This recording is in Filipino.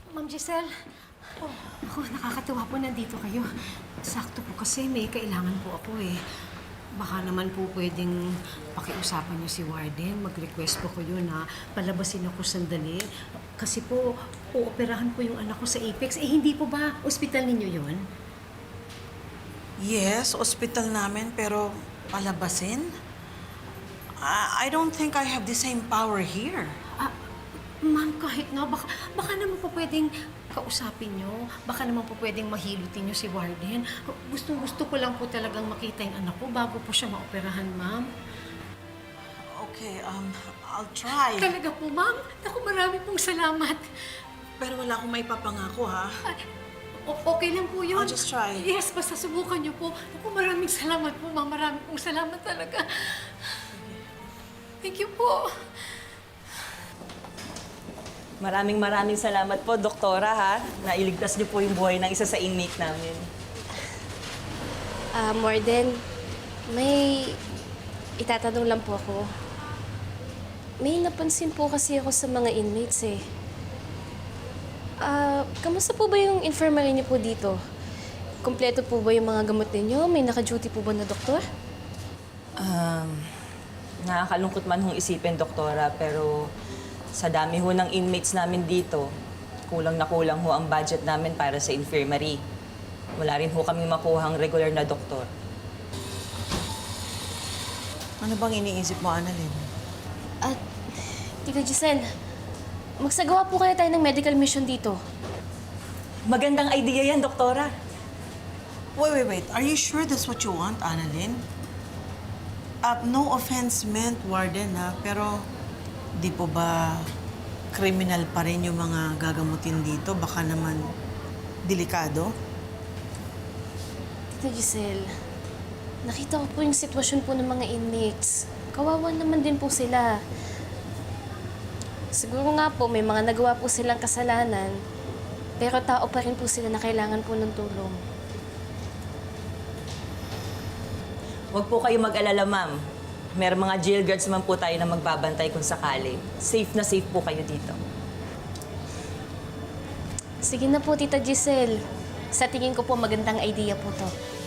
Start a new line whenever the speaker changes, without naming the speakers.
Ma'am Giselle, ako, nakakatuwa po nandito kayo. Sakto po kasi may kailangan po ako eh. Baka naman po pwedeng pakiusapan niyo si Warden. Mag-request po kayo na palabasin ako sandali. Kasi po, uoperahan po yung anak ko sa Apex. Eh, hindi po ba ospital ninyo yon?
Yes, ospital namin, pero palabasin? I don't think I have the same power here.
Ma'am, kahit na, baka naman po pwedeng kausapin nyo. Baka naman po pwedeng mahilutin nyo si Warden. Gusto ko lang po talagang makita yung anak ko bago po siya maoperahan, ma'am.
Okay, I'll try.
Talaga po, ma'am. Naku, marami pong salamat.
Pero wala akong may papangako, ha?
Okay lang po yun.
I'll just try.
Yes, basta subukan nyo po. Naku, maraming salamat po, ma'am. Maraming pong salamat talaga. Thank you po.
Maraming salamat po, Doktora, ha? Nailigtas niyo po yung buhay ng isa sa inmate namin.
Warden, may itatanong lang po ako. May napansin po kasi ako sa mga inmates eh. Kamusta po ba yung infirmary niyo po dito? Kompleto po ba yung mga gamot ninyo? May naka-duty po ba na doktor?
Nakakalungkot man hong isipin, Doktora, pero sa dami ho ng inmates namin dito, kulang na kulang ho ang budget namin para sa infirmary. Wala rin ho kami makuhang regular na doktor.
Ano bang iniisip mo, Annalyn?
At, Tita Giselle, magsagawa po kaya tayo ng medical mission dito.
Magandang idea yan, Doktora.
Wait. Are you sure that's what you want, Annalyn? No offense meant, Warden, ha? Pero di po ba criminal pa rin yung mga gagamutin dito? Baka naman delikado?
Tita Giselle, nakita ko po yung sitwasyon po ng mga inmates. Kawawa naman din po sila. Siguro nga po, may mga nagawa po silang kasalanan, pero tao pa rin po sila na kailangan po ng tulong.
Huwag po kayo mag-alala, ma'am. May mga jail guards naman po tayo na magbabantay kung sakali. Safe na safe po kayo dito.
Sige na po, Tita Giselle. Sa tingin ko po, magandang idea po to.